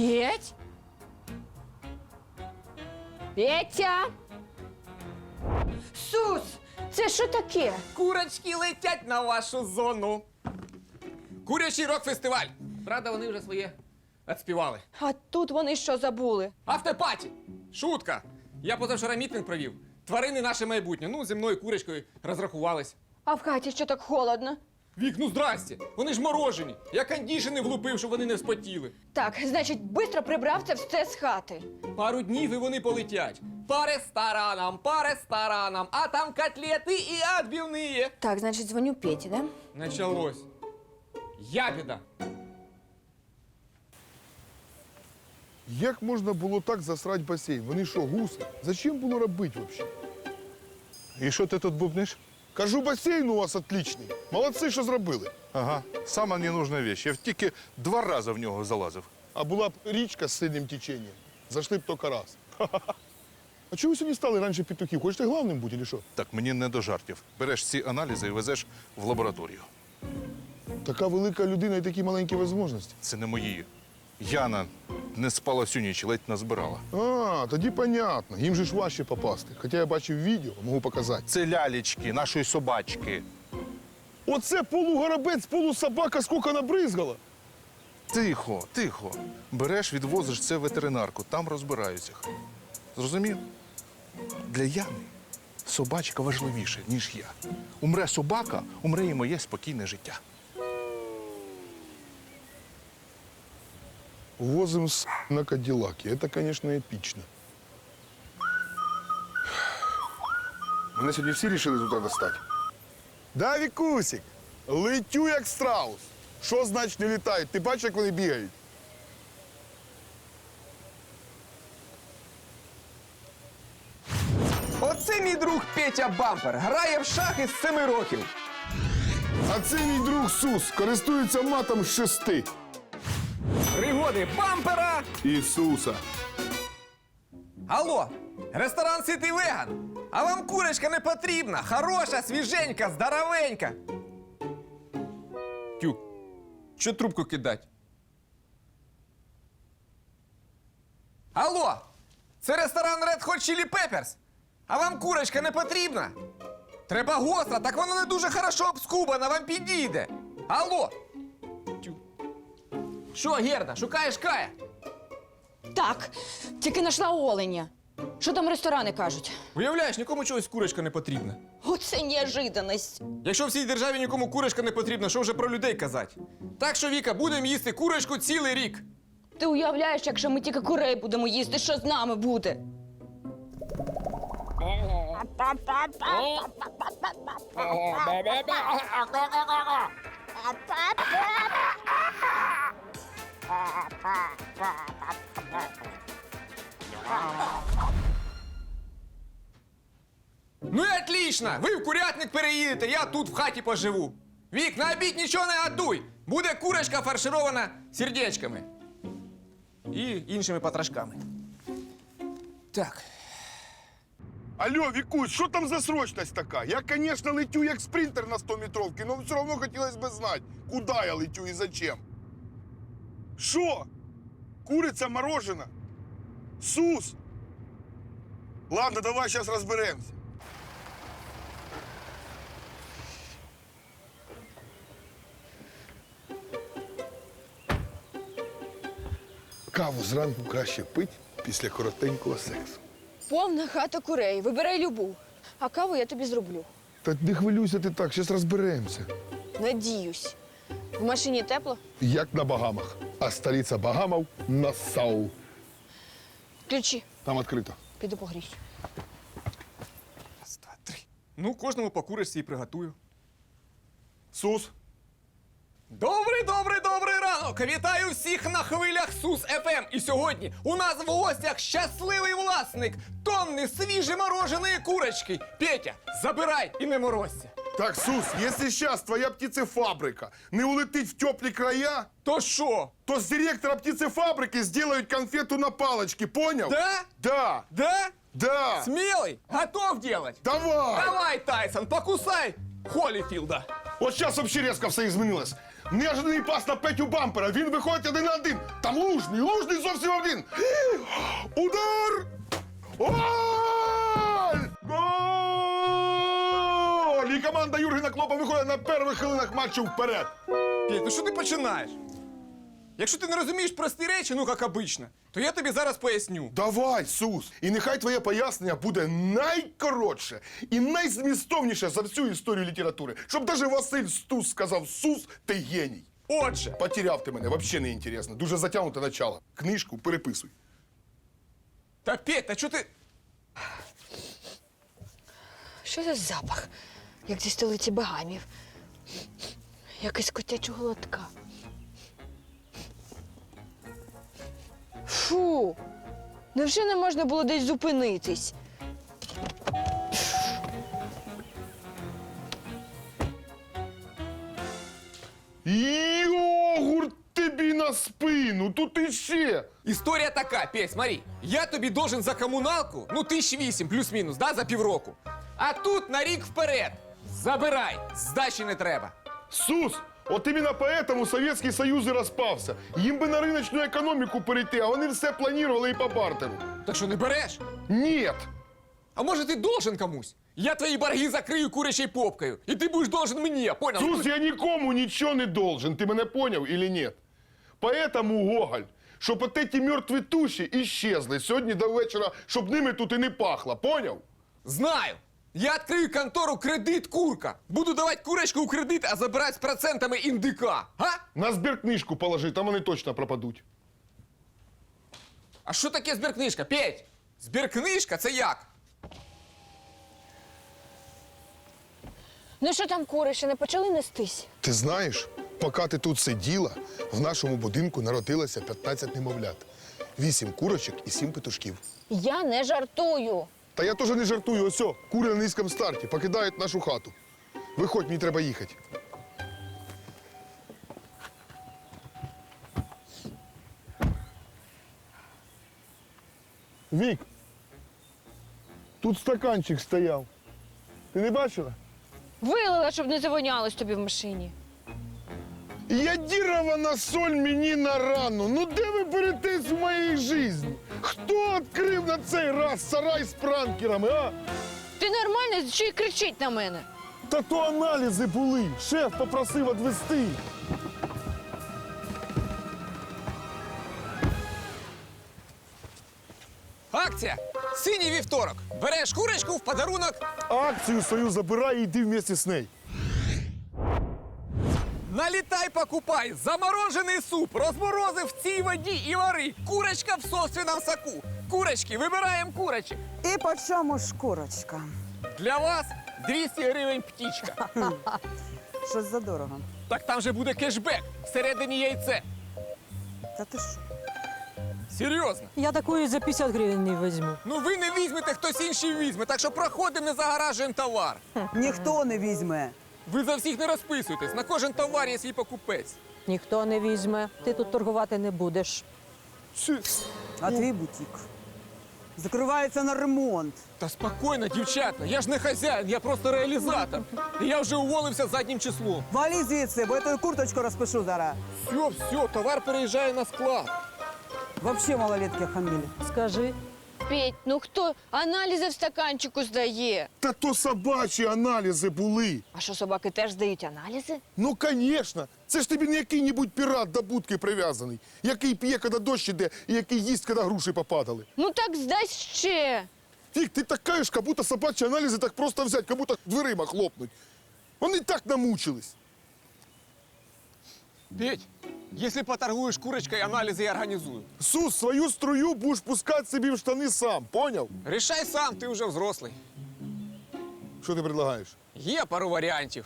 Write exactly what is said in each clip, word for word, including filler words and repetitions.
Петь? Петя? Сус, це що таке? Курочки летять на вашу зону. Курячий рок-фестиваль. Правда, вони вже своє відспівали. А тут вони що забули? Автопаті. Шутка. Я позавчора мітинг провів. Тварини наше майбутнє. Ну, зі мною курочкою розрахувались. А в хаті що так холодно? Вік, ну здрасте. Вони ж морожені. Я кондішени влупив, щоб вони не вспотіли. Так, значить, швидко прибрав це все з хати. Пару днів і вони полетять. По ресторанам, по ресторанам. А там котлети і відбивні. Так, значить, дзвоню Петі, да? Началось. Ябеда. Як можна було так засрати басейн? Вони що, гуси? Зачем було робити взагалі? І що ти тут бубниш? Кажу, басейн у вас отличний. Молодці, що зробили. Ага, сама ненужна вещь. Я тільки два рази в нього залазив. А була б річка з сильним теченням. Зайшли б тільки раз. А чого ви сьогодні стали раніше петухів? Хочете главним бути, чи що? Так, мені не до жартів. Береш ці аналізи і везеш в лабораторію. Така велика людина і такі маленькі можливості. Це не мої. Яна не спала всю ніч, ледь назбирала. А, тоді понятно. Їм же ж важче попасти. Хоча я бачив відео, можу показати. Це лялечки, нашої собачки. Оце полугоробець, полусобака, скільки набризгала. Тихо, тихо. Береш, відвозиш це в ветеринарку, там розбираються. Зрозумів? Для Яни собачка важливіше, ніж я. Умре собака, умре і моє спокійне життя. Возим с на Кадиллаке. Это, конечно, эпично. Мене сьогодні всі рішили туди достати. Да, Вікусик, летю як страус. Що значить не літають? Ти бачиш, як вони бігають? Оце мій друг Петя Бампер. Грає в шахи з семи років. А це мій друг Сус, користується матом з шести. Пригоди Бампера. Ісуса. Алло, ресторан Ситий Веган. А вам курочка не потрібна? Хороша, свіженька, здоровенька. Тю, що трубку кидать? Алло, це ресторан Red Hot Chili Peppers. А вам курочка не потрібна? Треба гостра, так вона не дуже хорошо обскубана, вам підійде. Алло. Тю. Що, Герда, шукаєш Кая? Так, тільки знайшла оленя. Що там ресторани кажуть? Уявляєш, нікому чогось курочка не потрібна. Оце неожиданність. Якщо в цій державі нікому курочка не потрібна, що вже про людей казати? Так що, Віка, будемо їсти курочку цілий рік. Ти уявляєш, якщо ми тільки курей будемо їсти, що з нами буде? Ну і отлично! Ви в курятник переїдете, я тут в хаті поживу. Вік, на обід нічого не готуй! Буде курочка фарширована сердечками. І іншими потрошками. Так. Алло, Вікусь, що там за срочність така? Я, звісно, летю як спринтер на сто метровки, але все одно хотілося б знати, куди я летю і зачем. Що? Куриця морожена? Сус? Ладно, давай зараз розберемося. Каву зранку краще пить після коротенького сексу. Повна хата курей, вибирай любу. А каву я тобі зроблю. Та не хвилюйся ти так, зараз розберемося. Надіюсь. В машині тепло? Як на Багамах. А столиця Багамов – Нассау. Ключі. Там відкрито. Піду погріюсь. Раз, два, три. Ну, кожному по курочці і приготую. Сус? Добрий, добрий, добрий ранок! Вітаю всіх на хвилях Сус еф ем. І сьогодні у нас в гостях щасливий власник тонни свіжі мороженої курочки. Петя, забирай і не морозься. Так, Сус, якщо зараз твоя птицефабрика не улетить в теплі края, То що? то з директора птицефабрики зроблять конфету на палочці, понял? Да? Да. Да? Да. Смелый? Готов делать? Давай. Давай, Тайсон, покусай Холлифилда. От зараз взагалі різко все змінилось. Неожиданний пас на Петю Бампера. Він виходить один на один. Там Лужний, Лужний зовсім один. Удар! Голь! Голь! І команда Юргена Клопа виходить на перших хвилинах матчу вперед. Петь, ну що ти починаєш? Якщо ти не розумієш прості речі, ну як обично, то я тобі зараз поясню. Давай, Сус, і нехай твоє пояснення буде найкоротше і найзмістовніше за всю історію літератури. Щоб навіть Василь Стус сказав: Сус, ти геній. Отже, Потеряв ти мене, взагалі не інтересно. Дуже затягнуте начало. Книжку переписуй. та Петь, та чого ти. Що за запах? Як зі столиці Багамів. Якийсь котячого лотка. Фу! Невже не можна було десь зупинитись? Йогурт тобі на спину, тут іще. Історія така, Петь, смотри. Я тобі должен за комуналку, ну тисяч вісім плюс-мінус, да, за півроку. А тут на рік вперед. Забирай, здачі не треба. Сус, от іменно поэтому Совєтський Союз і розпався. Їм би на риночну економіку перейти, а вони все планували і по бартеру. Так що не береш? Нет. А може ти должен комусь? Я твої борги закрию курячою попкою, і ти будеш должен мені, понял? Сус, я нікому нічого не должен, ти мене поняв или нет? Поэтому, Гоголь, щоб от эти мертві туші іщезли сьогодні до вечора, щоб ними тут і не пахло, поняв? Знаю. Я відкрию контору «Кредит Курка». Буду давати курочку у кредит, а забирати з процентами індика. А? На збіркнижку положи, там вони точно пропадуть. А що таке збіркнижка, Петь? Збіркнижка – це як? Ну що там, кури, ще не почали нестись? Ти знаєш, поки ти тут сиділа, в нашому будинку народилося п'ятнадцять немовлят. Вісім курочок і сім петушків. Я не жартую. Та я теж не жартую, ось о, кури на низькому старті покидають нашу хату. Виходь, мені треба їхати. Вік, тут стаканчик стояв. Ти не бачила? Вилила, щоб не завонялось тобі в машині. Ядірована соль мені на рану. Ну де ви беретесь в моїй житті? Хто відкрив на цей раз сарай з пранкерами, а? Ти нормальний, що й кричить на мене? Та то аналізи були. Шеф попросив відвести. Акція «Синій вівторок». Береш курочку в подарунок. Акцію свою забирай і йди вместе з нею. Налітай, покупай. Заморожений суп. Розморозив в цій воді і вари. Курочка в собственному соку. Курочки, вибираємо курочок. І по чому ж курочка? Для вас двісті гривень птічка. Щось задорого. Так там же буде кешбек. Всередині яйце. Та ти що? Серйозно. Я такої за п'ятдесят гривень не візьму. Ну ви не візьмете, хтось інший візьме. Так що проходимо, не загоражуємо товар. Ніхто не візьме. Ви за всіх не розписуєтесь. На кожен товар є свій покупець. Ніхто не візьме. Ти тут торгувати не будеш. А твій бутік закривається на ремонт. Та спокійно, дівчата. Я ж не хазяїн, я просто реалізатор. І я вже уволився заднім числом. Валі звідси, бо я твою курточку розпишу зараз. Все, все, товар переїжджає на склад. Вообще малолетки хамили. Скажи, Петь, ну хто аналізи в стаканчику здає? Та то собачі аналізи були. А що, собаки теж здають аналізи? Ну, звісно. Це ж тобі не який-небудь пірат до будки прив'язаний, який п'є, коли дощ іде, і який їсть, коли груші попадали. Ну так здай ще. Фік, ти така ж, як будто собачі аналізи так просто взяти, як будто дверима хлопнуть. Вони так намучились. Петь, якщо поторгуєш курочкою, аналізи я організую. Сус, свою струю будеш пускати собі в штани сам, поняв? Рішай сам, ти вже взрослий. Що ти предлагаєш? Є пару варіантів.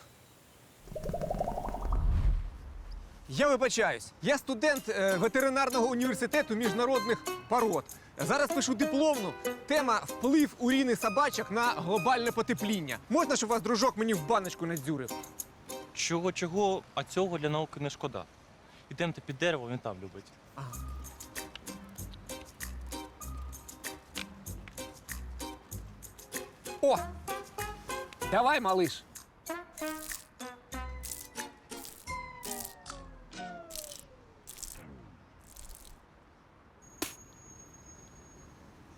Я вибачаюсь. Я студент е, ветеринарного університету міжнародних пород. Зараз пишу дипломну. Тема «Вплив уріни собачок на глобальне потепління». Можна, щоб вас дружок мені в баночку надзюрив? Чого, чого, а цього для науки не шкода. Ідемте під дерево, він там любить. О! Давай, малыш.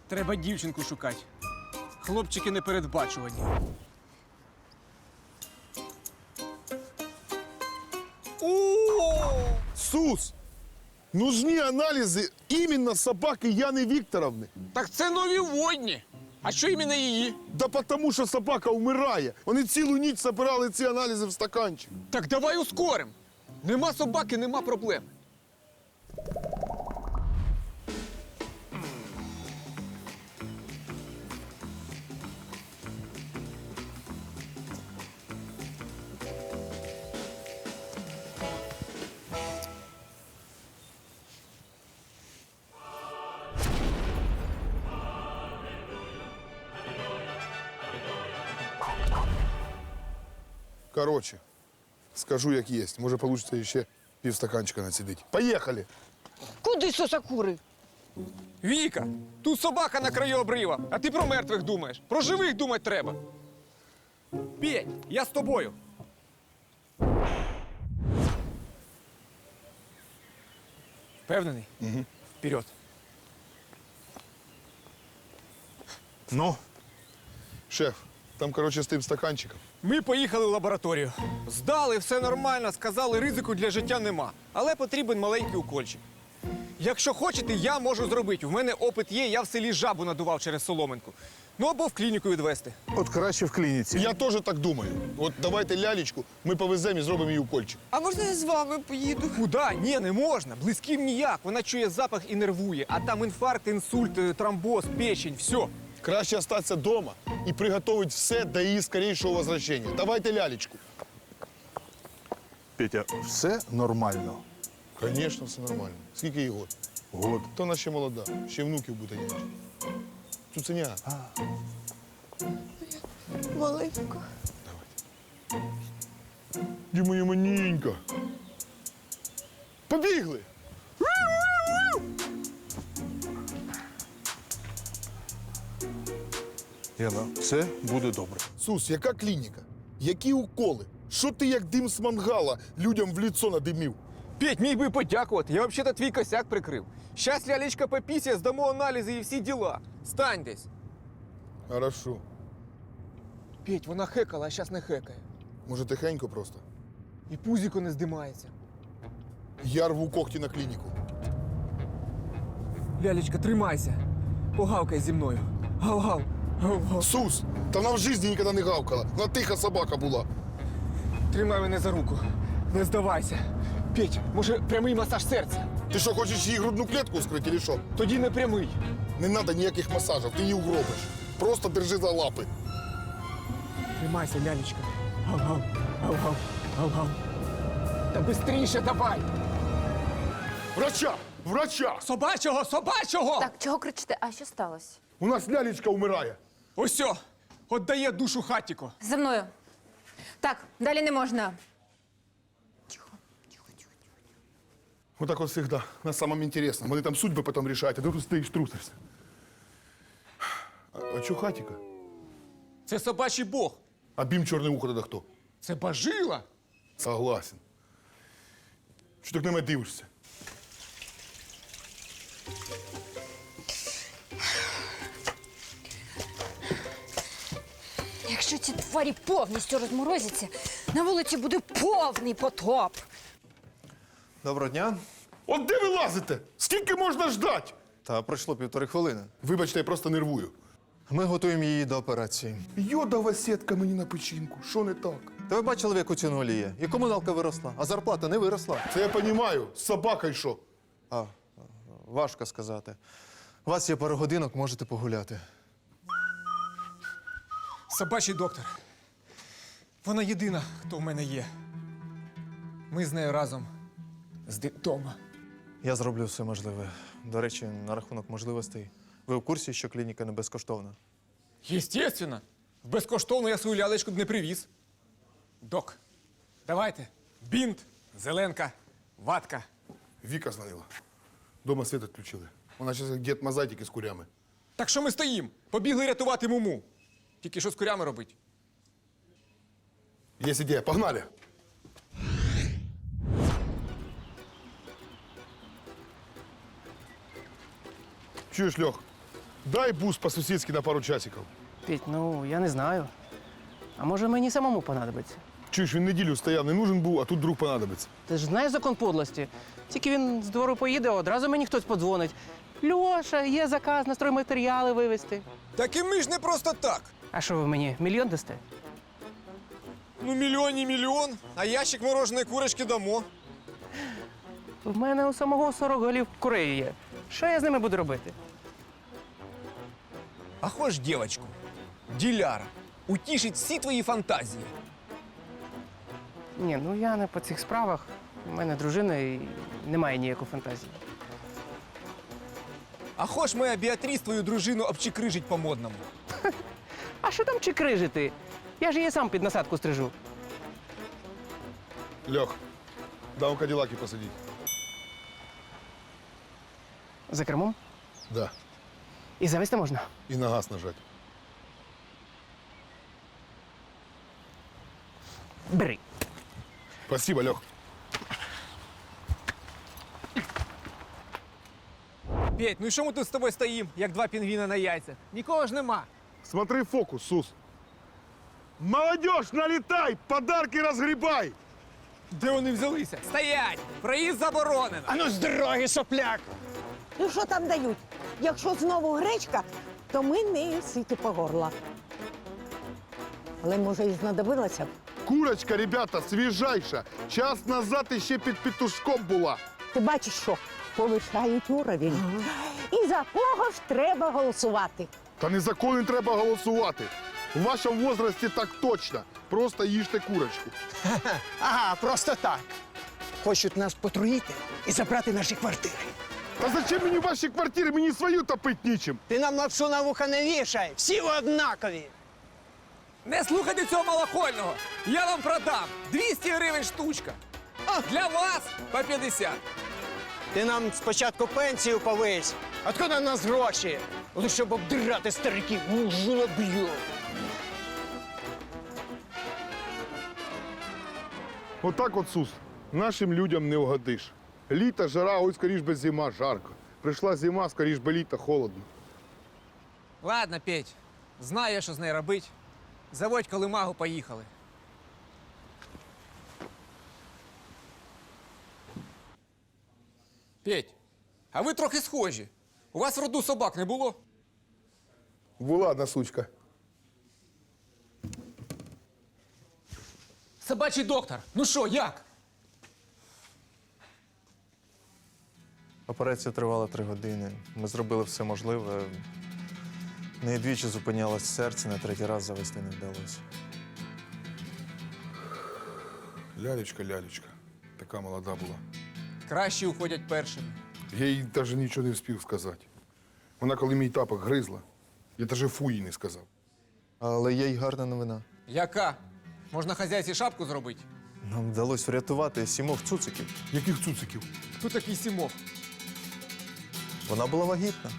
Треба дівчинку шукати. Хлопчики непередбачувані. О! Сус! Нужны анализы именно собаки Яны Викторовны. Так це нові водні. А що іменно її? Да потому що собака вмирає. Вони цілу ніч збирали ці аналізи в стаканчик. Так давай ускорим. Нема собаки, нема проблем. Короче, скажу як є. Може, вийде ще півстаканчика націдити. Поїхали! Куди сосакури? Віка, тут собака на краю обрива, а ти про мертвих думаєш. Про живих думати треба. Петь, я з тобою. Впевнений? Угу. Вперед. Ну, Шеф, там, короче, з тим стаканчиком. Ми поїхали в лабораторію. Здали, все нормально, сказали, ризику для життя нема. Але потрібен маленький укольчик. Якщо хочете, я можу зробити. У мене опит є, я в селі жабу надував через соломинку. Ну або в клініку відвести. от краще в клініці. Я теж так думаю. От давайте лялечку, ми повеземо і зробимо їй укольчик. А можна я з вами поїду? Куда? Ні, не можна. Близьким ніяк. Вона чує запах і нервує. А там інфаркт, інсульт, е, тромбоз, печень, все. Краще остатися вдома і приготувати все до її скорейшого возвращення. Давайте лялечку. Петя, все нормально. Звісно, все нормально. Скільки їй год? Год. То вона ще молода, ще внуків буде нянчити. Цуценя. Маленько. Ді моя маненька. Побігли! Яна, все буде добре. Сус, яка клініка? Які уколи? Що ти як дим з мангала людям в ліцо надимів? Петь, міг би подякувати. Я взагалі твій косяк прикрив. Щас лялечка попісє, здамо аналізи і всі діла. Стань десь. Хорошо. Петь, вона хекала, а щас не хекає. Може, тихенько просто? І пузіко не здимається. Я рву когті на клініку. Лялечка, тримайся. Погавкай зі мною. Гав-гав. Гав-гав. Сус, та вона в житті ніколи не гавкала. Вона тиха собака була. Тримай мене за руку. Не здавайся. Петь, може, прямий масаж серця? Ти що, хочеш їй грудну клітку скрити, чи що? Тоді не прямий. Не треба ніяких масажів, ти її угробиш. Просто держи за лапи. Тримайся, лялечка. Гав-гав. Гав-гав. Гав-гав. Та бистріше давай. Врача! Врача! Собачого, собачого! Так, чого кричите? А що сталося? У нас лялечка вмирає. Осьо, отдає душу хатіко. За мною. Так, далі не можна. Вот так вот всегда. На самом интересном. Вони там судьби потом решають, а ти тут стоїш трусишся. А, а чо хатіка? Це собачий бог. А бім чорне ухо тоді хто? Це бажила. Согласен. Що ти на мене дивишся? Якщо ці тварі повністю розморозяться, на вулиці буде повний потоп. Доброго дня. От де ви лазите? Скільки можна ждать? Та пройшло півтори хвилини. Вибачте, я просто нервую. Ми готуємо її до операції. Йодова сітка мені на печінку. Що не так? Та ви бачили, в яку ціну олія? І комуналка виросла, а зарплата не виросла. Це я розумію. З собакою що? А, важко сказати. У вас є пару годинок, можете погуляти. Собачий доктор. Вона єдина, хто в мене є. Ми з нею разом з дитома. Я зроблю все можливе. До речі, на рахунок можливостей. Ви в курсі, що клініка не безкоштовна? Єстественно. Безкоштовно я свою лялечку б не привіз. Док, давайте. Бінт, зеленка, ватка. Віка дзвонила. Дома світ відключили. Вона зараз як дід Мазатик із курями. Так що ми стоїм? Побігли рятувати муму. Тільки що з курями робить? Є ідея, погнали! Чуєш, Льох? Дай бус по-сусідськи на пару часиків. Петь, ну я не знаю. А може мені самому понадобиться? Чуєш, він неділю стояв, не нужен був, а тут друг понадобиться. Ти ж знаєш закон подлості. Тільки він з двору поїде, одразу мені хтось подзвонить. Льоша, є заказ на стройматеріали вивезти. Так і ми ж не просто так. А що ви мені мільйон дасте? Ну, мільйон і мільйон, а ящик мороженої курочки дамо. В мене у самого сорок голів курей є. Що я з ними буду робити? А хоч дівчинку, діляра, утішить всі твої фантазії. Ні, ну я не по цих справах. У мене дружина і немає ніякої фантазії. А хоч моя Біатріс твою дружину обчикрижить по-модному. А що там чикрижити? Я ж її сам під насадку стрижу. Льох, дай у Каділаки посадіть. За кермом? Да. І завести можна. І на газ нажать. Бери. Спасибо, Льох. Петь, ну і що ми тут з тобою стоїмо, як два пінгвіна на яйцях? Нікого ж нема. Смотри фокус, Сус. Молодежь, налетай, подарки разгребай! Де вони взялися? Стоять! Проїзд заборонено! Ану з дороги, сопляк! Ну що там дають? Якщо знову гречка, то ми не ситі по горла. Але може і знадобилося б. Курочка, ребята, свіжайша. Час назад іще під петушком була. Ти бачиш, що повишають уровень. І за кого ж треба голосувати? Та не за кого не треба голосувати. У вашому возрасті так точно. Просто їжте курочку. Ага, просто так. Хочуть нас потруїти і забрати наші квартири. Та зачем мені ваші квартири? Мені свою топить нічим. Ти нам лапшу на вуха не вішай, всі ви однакові. Не слухайте цього малохольного! Я вам продам! двісті гривень штучка! А для вас по п'ятдесят. Ти нам спочатку пенсію повись. Откуда в нас гроші? Ну, щоб обдирати стариків, ну жлоб'ю. Отак от, Сус, нашим людям не угодиш. Літо, жара, ой, скоріш би зима, жарко. Прийшла зима, скоріш би літо, холодно. Ладно, Петь, знаю я, що з нею робить. Заводь колимагу, поїхали. Петь, а ви трохи схожі. У вас в роду собак не було? Була одна сучка. Собачий доктор, ну що, як? Операція тривала три години. Ми зробили все можливе. В неї двічі зупинялось серце, на третій раз завести не вдалося. Лялечка, лялечка. Така молода була. Кращі уходять першими. Я їй навіть нічого не встиг сказати. Вона, коли мій тапок гризла, я навіть фу їй не сказав. Але є й гарна новина. Яка? Можна хазяйці шапку зробити? Нам вдалося врятувати сімох цуциків. Яких цуциків? Хто такий Сімов? Вона була вагітна.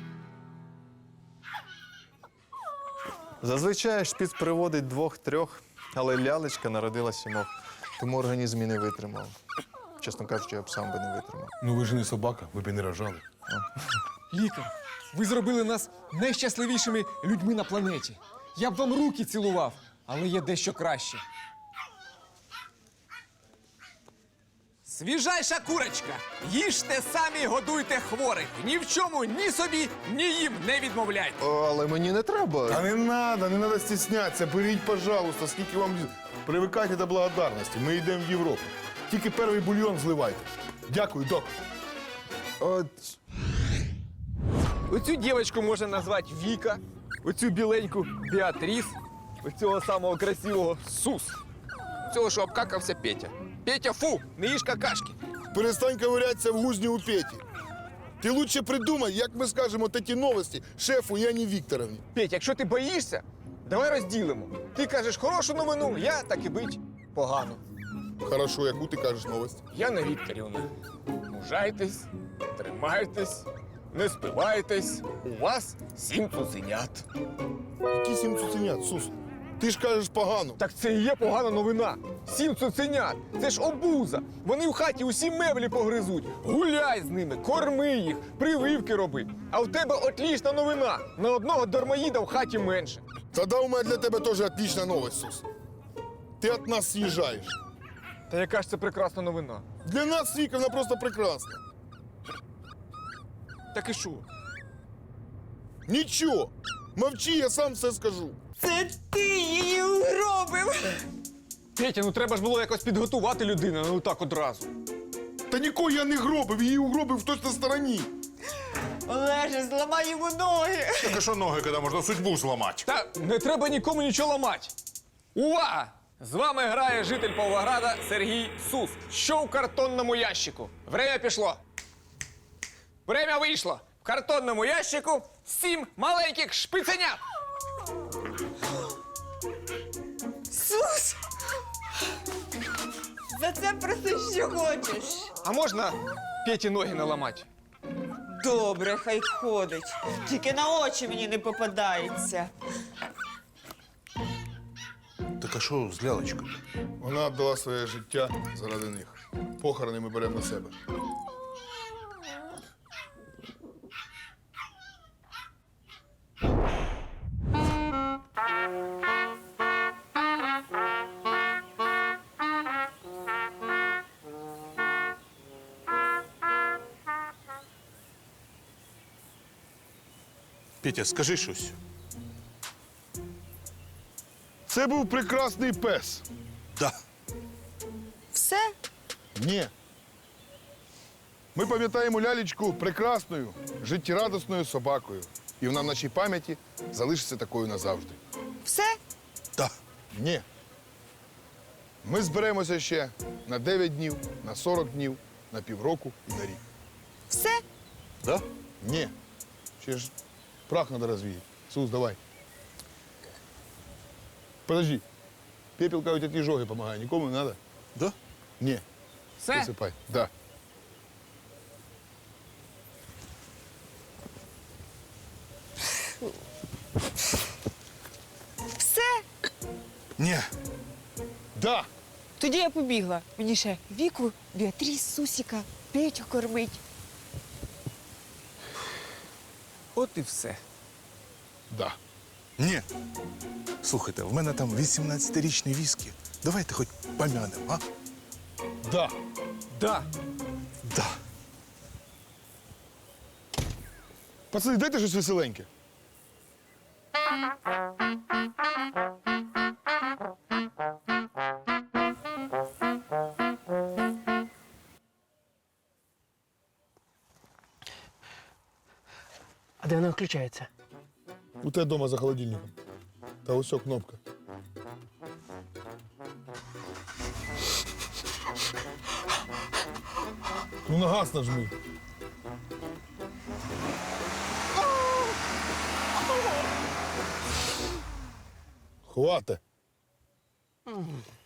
Зазвичай шпіц приводить двох-трьох, але лялечка народила сімох, тому організм і не витримав. Чесно кажучи, я б сам би не витримав. Ну ви ж не собака, ви б і не рожали. Лікар, ви зробили нас найщасливішими людьми на планеті. Я б вам руки цілував, але є дещо краще. Свіжайша курочка! Їжте самі, годуйте хворих. Ні в чому ні собі, ні їм не відмовляйте. О, але мені не треба. Та не надо, не надо стіснятися. Беріть, пожалуйста, скільки вам привикайте до благодарності. Ми йдемо в Європу. Тільки перший бульйон зливайте. Дякую, док. От Оцю дівчинку можна назвати Віка, оцю біленьку Біатріс, оцього самого красивого Сус. Цього, що обкакався Петя. Петя, фу, не їж какашки. Перестань ковирятися в гузні у Петі. Ти лучше придумай, як ми скажемо такі новості шефу Яні Вікторовні. Петь, якщо ти боїшся, давай розділимо. Ти кажеш хорошу новину, я, так і бить, погано. Хорошо, яку ти кажеш новость? Яна Вікторівна, мужайтесь, тримайтесь, не спивайтесь. У вас сім цуценят. Які сім цуценят, Сус? Ти ж кажеш погано. Так це і є погана новина. Сім цуценят. Це ж обуза. Вони в хаті усі меблі погризуть. Гуляй з ними, корми їх, прививки роби. А в тебе отлічна новина. На одного дармоїда в хаті менше. Тоді у мене для тебе теж отлична новость, Сус. Ти від нас з'їжджаєш. Та яка ж це прекрасна новина? Для нас Віка, вона просто прекрасна. Так і що? Нічого. Мовчи, я сам все скажу. Це ти її угробив. Петя, ну треба ж було якось підготувати людину, ну так одразу. Та нікого я не гробив, її угробив в точно стороні. Олеже, зламай йому ноги. Так а що ноги, коли можна судьбу зламати? Та не треба нікому нічого ламати. Увага! З вами грає житель Павлограда Сергій Сус. Що в картонному ящику? Время пішло. Время вийшло. В картонному ящику сім маленьких шпиценят. Сус! За це проси, що хочеш. А можна Петі ноги наламати? Добре, хай ходить. Тільки на очі мені не попадається. Так а що з лялечкою? Вона віддала своє життя заради них. Похорони ми беремо на себе. Петя, скажи щось. Це був прекрасний пес. Да. Все? Ні. Ми пам'ятаємо лялечку прекрасною, життєрадісною собакою. І вона в нашій пам'яті залишиться такою назавжди. Все? Да. Ні. Ми зберемося ще на дев'ять днів, на сорок днів, на півроку і на рік. Все? Да? Ні. Ще ж прах треба розвіяти. Сус, давай. Подожди. Пепел, кажуть, від іжоги допомагає. Нікому не треба? Да? Ні. Все? Висипай. Да. Все? Ні. Да. Тоді я побігла. Мені ще Віку, Біатріс, Сусіка, Петю кормить. От і все. Да. Ні. Слухайте, в мене там вісімнадцятирічний віскі. Давайте хоч помянемо, а? Да. Да. Да. Пацани, дайте щось веселеньке. А де вона включається? У тебе вдома за холодильником. Та ось о кнопка. Ну на газ нажми. Хвата.